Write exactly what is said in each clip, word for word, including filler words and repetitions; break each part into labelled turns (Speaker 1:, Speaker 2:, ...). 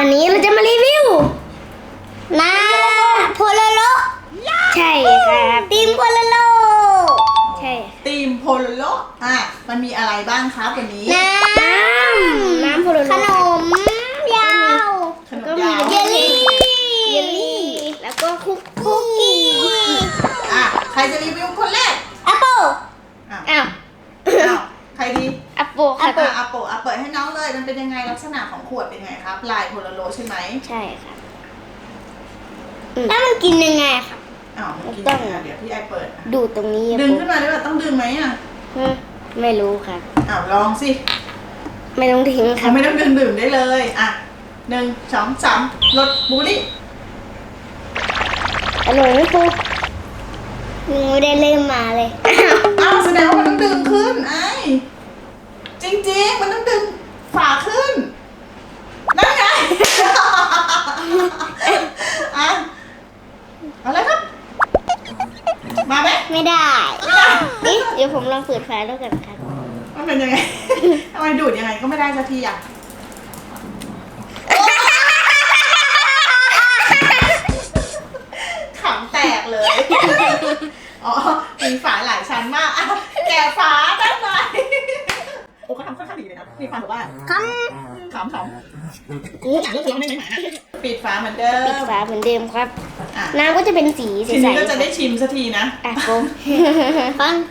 Speaker 1: วันนี้เราจะมารีวิวน้ำโพโลโลใช่ครับทีมโพโลโลใช่
Speaker 2: ทีมโพโลโลอ่ะมันมีอะไรบ้างครับวันนี้
Speaker 1: น้ำน้ำโพโลโลขนมยาว
Speaker 2: ขนมยาว
Speaker 1: เยลลี่เยลลี่แล้วก็คุกคุกกี้
Speaker 2: อ่ะใครจะรีวิวคนแรก
Speaker 1: แอปเปิ้ล
Speaker 2: อ้าว
Speaker 1: อ้าว
Speaker 2: อ้าวใครดี
Speaker 1: แอปเปิ้ลครับ
Speaker 2: อ่ะอ่ะโปะอ่ะเปิดให้น้องเลยมันเป็นยังไงลักษณะของขวดเป็นไงครับลายโพโลโลใช่ไหม
Speaker 1: ใช่ครับแล้วมันกินยังไงครับ
Speaker 2: อ้าวมันกินยังไงเดี๋ยวพี่ไอเปิด
Speaker 1: ดูตรงนี้
Speaker 2: ดึงขึ้นมาได้ป่ะต้องดึงไหมอ่ะ
Speaker 1: ไม่รู้ครับ
Speaker 2: อ้าวลองสิ
Speaker 1: ไม่ต้องทิ้งครับ
Speaker 2: ไม่ต้องดึงดื่มได้เลยอ่ะหนึ่งสองสามรสบูรี่
Speaker 1: อร่อยไหมครูไม่ได้เริ่มมาเลย
Speaker 2: อ้าวแสดงว่ามันต้องดึงขึ้นไอ้จริงๆมันต้องดึงฝาขึ้นนั่นไงอ่ะเอาเลยครับมาไหม
Speaker 1: ไม่ได้นี่เดี๋ยวผมลองเปิดฝาแล้วกันครับ
Speaker 2: มันเป็นยังไงทำไมดูดยังไงก็ไม่ได้สักทีอ่ะขำแตกเลยอ๋อมีฝาหลายชั้นมากแกะฝาได้ไหมโอ้เขาทำค่อนข้างดีเลยนะมีความแบบว่า
Speaker 1: ข
Speaker 2: ำขำขำนี่เลือกเลือกไม่ไม่หมาปิดฝาเหมือนเดิม
Speaker 1: ปิดฝาเหมือนเดิมครับน้ำก็จะเป็นสีใสๆ
Speaker 2: ทีนี้ก็จะได้ชิมสักทีนะ
Speaker 1: อ่ะโก้ฟัง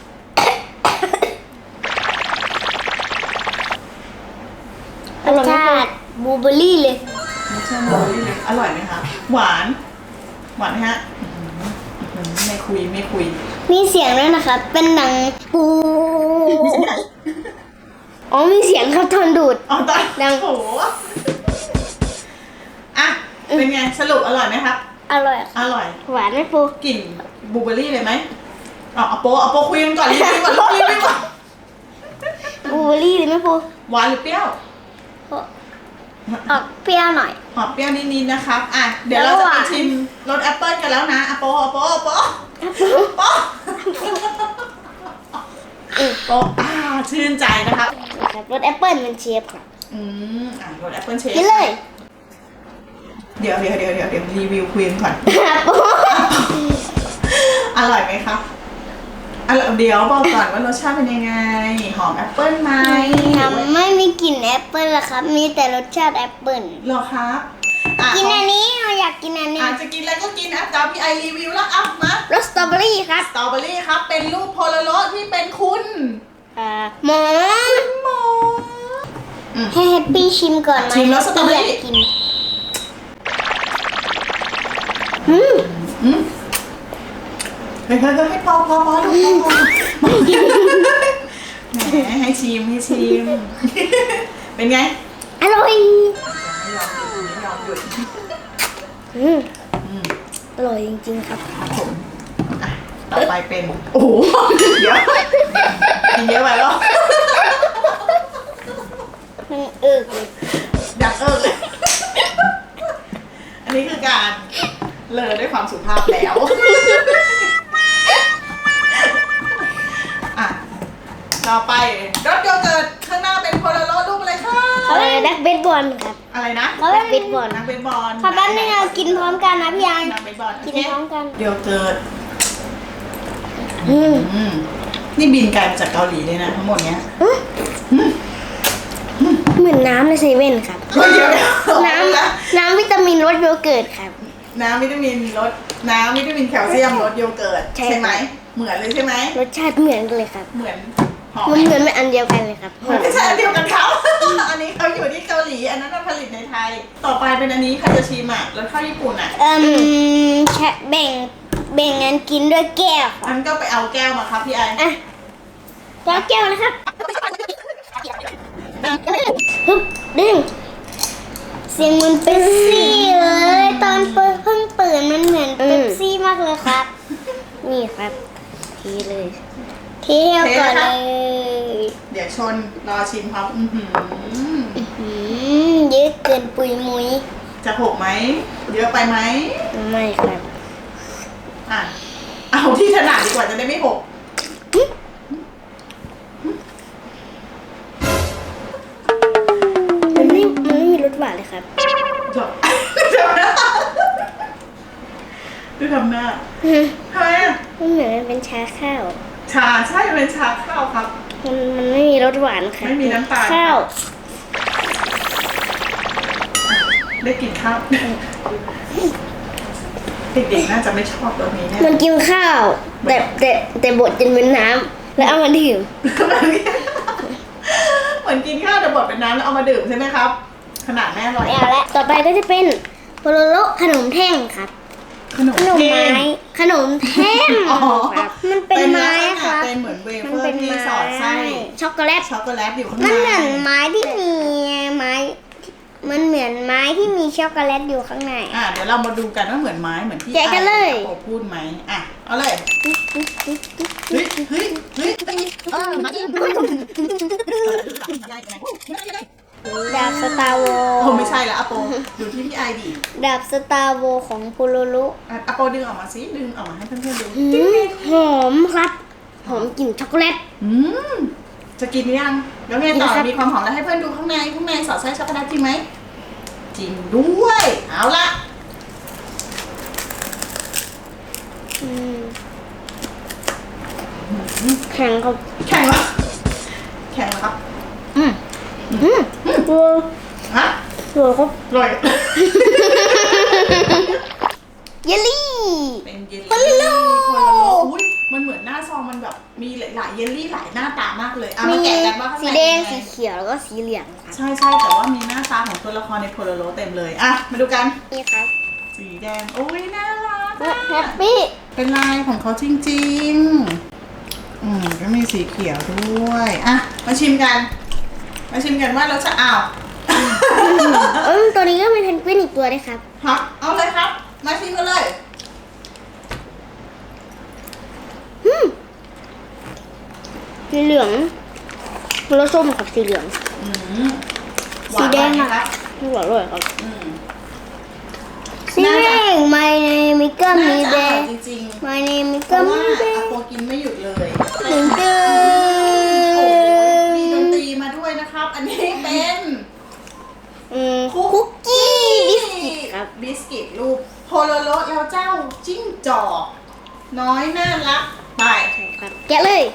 Speaker 1: รสชาติบลูเบอร์รี่เลย
Speaker 2: รสชาติบลูเบอร์รี่เลยอร่อยไหมคะหวานหวานไหมฮะไม่คุยไม่คุย
Speaker 1: มีเสียงด้วยนะครับเป็นหนังปูอ๋อมีเสียงครับทนดูด
Speaker 2: อ๋อตอนดังโหอ่ะเป็นไงสรุปอร่อยไหมครับ
Speaker 1: อร่อย
Speaker 2: อร่อย
Speaker 1: หวานไหมปู
Speaker 2: กลิ่นบลูเบอร์รี่เลยไหมอ๋อเอาโปเอาโปคุยกันก่อนรีวิวก่อนรีวิวก่อน
Speaker 1: บลูเบอร์รี่เลยไหมปู
Speaker 2: หวานหรือเปรี้ยว
Speaker 1: ออกเปรี้ยวหน่อย
Speaker 2: ออกเปรี้ยวนิดๆนะครับอ่ะเดี๋ยวเราจะไปชิมรสแอปเปิ้ลกันแล้วนะอะโปอะโปอะโปโปโปอ่าชื่นใจนะครับ
Speaker 1: รสแอปเปิ้ลเป็นเชฟค่ะ
Speaker 2: อืมอ่ะรสแอปเปิ้ลเชฟ
Speaker 1: กินเลย
Speaker 2: เดี๋ยวเดี๋ยวเดี๋ยวเดี๋ยวเดี๋ยวรีวิวคุยกันก่อนอร่อยไหมครับอร่อยเดี๋ยวบอกก่อนว่ารสชาติเป็นยังไงหอมแอปเปิ้ลไหม
Speaker 1: ไม่มีกลิ่นแอปเปิ้ลละครับมีแต่รสชาติแอปเปิ้ล
Speaker 2: หรอครับ
Speaker 1: กินอันนี้เราอยากกินอันนี้
Speaker 2: อาจจะกินอะไรก็กินอ่ะตามพี่ไอรีวิวแล้วอ่ะมาร
Speaker 1: สสตรอเบอรี่ครับ
Speaker 2: สตรอเบอรี่ครับเป็นรูปโพโลโลที่เป็นคุณ
Speaker 1: อ่าหมอ
Speaker 2: หมอ
Speaker 1: ให้แฮปปี้ชิมก่อนไหม
Speaker 2: ชิมรสสตรอเบอรี่
Speaker 1: กินอืม
Speaker 2: อืมเฮ้ยเฮ้ยเฮ้ยพอพอพอลูกพอพอแหมให้ชิมให้ชิมเป็นไง
Speaker 1: อร่อย
Speaker 2: ไม่ยอมหยุดไม่ยอมหยุด
Speaker 1: อืมอร่อยจริงๆครับ
Speaker 2: ครับผมอ่ะต่อไปเป็นโอ้โหเดี๋ยวกินเยอะไปแล้ว
Speaker 1: มันเอิกเลย
Speaker 2: อยากเอิกเลยอันนี้คือการเลอด้วยความสุภาพแล้วอ่ะต่อไปรถโยเกิร์ตข้างหน้าเป็นโพลาโรรูปอะไรคะ
Speaker 1: อะไรนักเบสบอลครับ
Speaker 2: อะไรนะ
Speaker 1: นักเบสบอล
Speaker 2: นักเบสบอล
Speaker 1: ขอแป๊บนึงเรากินพร้อมกันนะพี่ยัง
Speaker 2: นักเบสบอล
Speaker 1: กินพร้อมกัน
Speaker 2: โยเกิร์ตอืมนี่บินไกลมาจากเกาหลีเลยนะทั้งหมดเนี้ย
Speaker 1: เหมือนน้ำในเซเว่นครับน้ำน้ำวิตามินรสโยเกิร์ตครับ
Speaker 2: น้ำวิตามินรสน้ำวิตามินแคลเซียมรสโยเกิร์ตใช่ไหมเหมือนเลยใช่ไหม
Speaker 1: รสชาติเหมือนกันเลยครับ
Speaker 2: เหมือน
Speaker 1: มันเหมือนไม่อันเดียวกันเลยครับ
Speaker 2: ไม่ใช่อันเดียวกันเขาอันนี้เขาอยู่ที่เกาหลีอันนั้นผลิตในไทยต่อไปเป็นอันนี้ใครจะชิมอ่ะรสชาติญี่ปุ่นอ่ะ
Speaker 1: เอ่มแค่แบ่งแบ่งกันกินด้วยแก้ว
Speaker 2: อันก็ไปเอาแก้วมาครับพี่ไอ
Speaker 1: อ่ะแล้วแก้วนะครับฮึบดึงเสียงมันเป๊ปซี่เลยตอนเปิดเพิ่งเปิดมันเหมือนเป๊ปซี่มากเลยครับนี่ครับทีเลยเที่ยวก่อนเลย
Speaker 2: เดี๋ยวชนรอชิมครับอือหื
Speaker 1: อเยอะเกินปุยมุย
Speaker 2: จะหกไหมเยอะไปไหม
Speaker 1: ไม่ครับ
Speaker 2: อ่ะเอาที่ถนัดดีกว่าจะได้ไม่หก
Speaker 1: มันไม่มันไม่มีรสหวานเลยครับ
Speaker 2: จบดูทำหน้าดูทำหน้าทำไมอ่ะ
Speaker 1: มันเหมือนมันเป็นชาข้าว
Speaker 2: ชาใช่เป็นชาข้าวครับ
Speaker 1: มันมันไม่มีรสหวานค่ะ
Speaker 2: ไม่มีน้ำตาล
Speaker 1: ข้าว
Speaker 2: ได้กินข้าวเด็กๆน่าจะไม่ชอบตัวนี้แน่
Speaker 1: มันกินข้าว แต่แต่แต่บดจนเป็นน้ำแล้วเอามาดื่ม
Speaker 2: เหมือนกินข้าวแต่บดเป็นน้ำแล้วเอามาดื่มใช่ไหมครับ ขนาดแม่อร่อย
Speaker 1: ไม่เอาละต่อไปก็จะเป็นโปโลโลขนมแท่งครับ
Speaker 2: ขนม
Speaker 1: ขนม
Speaker 2: เค้
Speaker 1: ไม้
Speaker 2: ก
Speaker 1: ขนมแท่ง
Speaker 2: อ๋อ
Speaker 1: ครับมันเป็นไม้
Speaker 2: ลักษณะ
Speaker 1: ครับ
Speaker 2: เป็นเหมือนเว
Speaker 1: มั
Speaker 2: เฟอ
Speaker 1: เป็
Speaker 2: ร์ที่สอดไส้
Speaker 1: ช็อกโกแลต
Speaker 2: ช็อกโกแลตอยู่ข้างใน
Speaker 1: มันเหมือนไม้ที่มีไม้ มันเหมือนไม้ที่มีช็อกโกแลตอยู่ข้างใน
Speaker 2: อ่ะเดี๋ยวเรามาดูกันว่าเหมือนไม้เหมือนที่
Speaker 1: แกะกันเลย
Speaker 2: ไอ้โอพูดไหมอ่ะเอาเลยเฮ้ยเฮ้ยเฮ้ย
Speaker 1: ดาบสตาร์โว
Speaker 2: โอ้ไม่ใช่ละอโปดูที่พี่ไอดี
Speaker 1: ดาบสตาร์โวของโปโลโล
Speaker 2: อ่ะอโปดึงออกมาสิดึงออกมาให้เพื่อนๆดู
Speaker 1: หืมหอมครับ หอมกลิ่นช็อกโกแลต
Speaker 2: อืมจะกินหรือยังแล้วไงต่อ
Speaker 1: กินครับ
Speaker 2: มีความหอมแล้วให้เพื่อนดูข้างในข้างในสอดไส้ช็อกโกแลตจริงไหมจริงด้วยเอาละ
Speaker 1: อืมแข็งครับ
Speaker 2: แข็งแล้วแข็งแล้วครับ
Speaker 1: อืมอืมตัว
Speaker 2: ฮะ
Speaker 1: ตัวครับ
Speaker 2: อร่อย
Speaker 1: เยลลี่
Speaker 2: เป็นเยลลี่
Speaker 1: โพโลโล
Speaker 2: โพโลโลอุ้ยมันเหมือนหน้าซองมันแบบมีหลายๆเยลลี่หลายหน้าตามากเลยอ่ะมาแกะกันว่าข้าง
Speaker 1: สี
Speaker 2: ใน
Speaker 1: แดง
Speaker 2: เป็น
Speaker 1: สี
Speaker 2: ไง
Speaker 1: เขียวแล้วก็สีเหลืองครับ
Speaker 2: ใช่ใช่แต่ว่ามีหน้าตาของตัวละครในโพโลโลเต็มเลยอ่ะมาดูกัน
Speaker 1: นี่ครับ
Speaker 2: สีแดงโอ้ยน่ารักอะ
Speaker 1: แฮปปี้
Speaker 2: เป็นลายของเขาจริงๆอืมก็มีสีเขียวด้วยอ่ะมาชิมกัน มาชิมกันว่ารสชาติอ้าว
Speaker 1: เออตัวนี้ก็มีเพนกวินอีกตัวด้วยครับ
Speaker 2: ครับเอาเลยครับ มาชิมกันเลย
Speaker 1: สีเหลืองรสส้มกับสีเหลือง
Speaker 2: อืมหวาน
Speaker 1: สีแดง
Speaker 2: ไหม
Speaker 1: อะ
Speaker 2: ครับ
Speaker 1: อร่อยๆครับ
Speaker 2: อืม
Speaker 1: สีแดง my name is กัม
Speaker 2: น่า
Speaker 1: มี่
Speaker 2: จะ
Speaker 1: เบ
Speaker 2: อร่อย
Speaker 1: ย์
Speaker 2: จริงๆ
Speaker 1: my name is
Speaker 2: เพ
Speaker 1: กั
Speaker 2: ราะ
Speaker 1: ม
Speaker 2: ว่า
Speaker 1: มี่เบ
Speaker 2: อา
Speaker 1: ย์
Speaker 2: โปกินไม่หยุดเลย
Speaker 1: หนึ่งเดือ
Speaker 2: โอ้โหมีดน
Speaker 1: น
Speaker 2: ตรีมาด้วยนะครับ อันนี้เป็น
Speaker 1: อืมคุกกี้บิสกิตครับ
Speaker 2: บิสกิตรูปโพโลโลแล้วเจ้าจิ้งจอกน้อยน่ารักไป
Speaker 1: ครับแกะเลย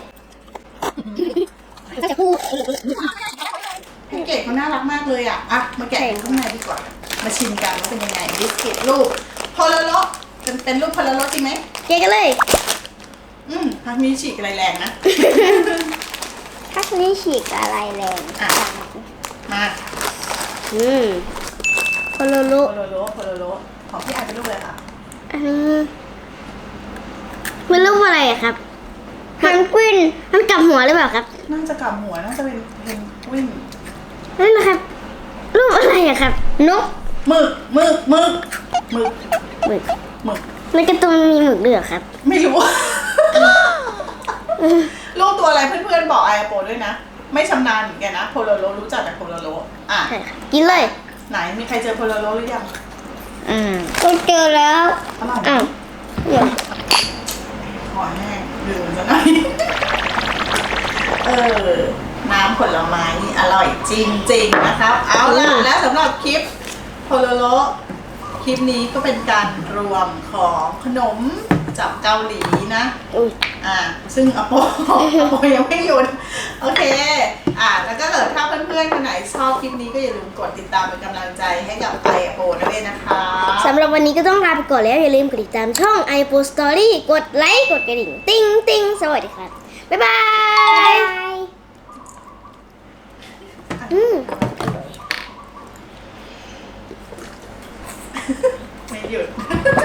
Speaker 1: จะพูด
Speaker 2: แพ็กเกจเขาน่ารักมากเลยอ่ะอ่ะมาแกะดูข้างในดีกว่ามาชิมกันว่าเป็นยังไงบิสกิตรูปโพโลโลเป็นเป็นรูปโพโลโลจริงไหม
Speaker 1: แกะกันเลย
Speaker 2: อืมพักนี้ฉีกอะไรแรงนะ
Speaker 1: ทักนี้ฉีกอะไรแรง
Speaker 2: อ่ะ มา
Speaker 1: อืมโคโลโล
Speaker 2: โพโลโลโพโลโลของพี่ไอเป็นรูปอะไรคะ
Speaker 1: อันนี้มันรูปอะไรอะครับเพนกวินมันกลับหัวหรือเปล่าครับ
Speaker 2: น่าจะกลับหัวน่าจะเป็นเพนกวิน
Speaker 1: นั่นนะครับ รูปอะไรอะครับ นก
Speaker 2: หมึกหมึกหมึกหมึก
Speaker 1: หมึก
Speaker 2: หมึก
Speaker 1: ในการ์ตูนมีหมึกด้วยเหรอครับ
Speaker 2: ไม่รู้ รูปตัวอะไรเพื่อนๆบอกไอโปด้วยนะ ไม่ชำนาญเหมือนกันนะโพโลโลรู้จักแต่โพโลโลอ่ะ
Speaker 1: ใช่ค่ะกินเลย
Speaker 2: ไหนมีใครเจอโพโลโลหรือยัง
Speaker 1: อืมก็เจอแล้ว
Speaker 2: อร่อยไหม
Speaker 1: อ้าวเดี๋ยว
Speaker 2: ขอแห้งดื่มซะหน่อย เออ น้ำผลไม้นี่อร่อยจริงๆนะครับ เอาล่ะแล้วสำหรับคลิปโพโลโลคลิปนี้ก็เป็นการรวมของขนมจากเกาหลีนะ
Speaker 1: อุ้ย
Speaker 2: อ่า ซึ่งอโป อโปยังไม่หยุด โอเค อ่า แล้วก็เกิดถ้าเพื่อนๆคนไหนชอบคลิปนี้ก็อย่าลืมกดติดตามเป็นกำลังใจให้กับไอโปด้วยนะคะ
Speaker 1: สำหรับวันนี้ก็ต้องลาไปก่อนแล้ว อย่าลืมกดติดตามช่อง i p o Story กดไลค์กดกระดิ่ง ติ้งติ้งสวัสดีครับ บ๊ายบายอืม
Speaker 2: ไม่หยุด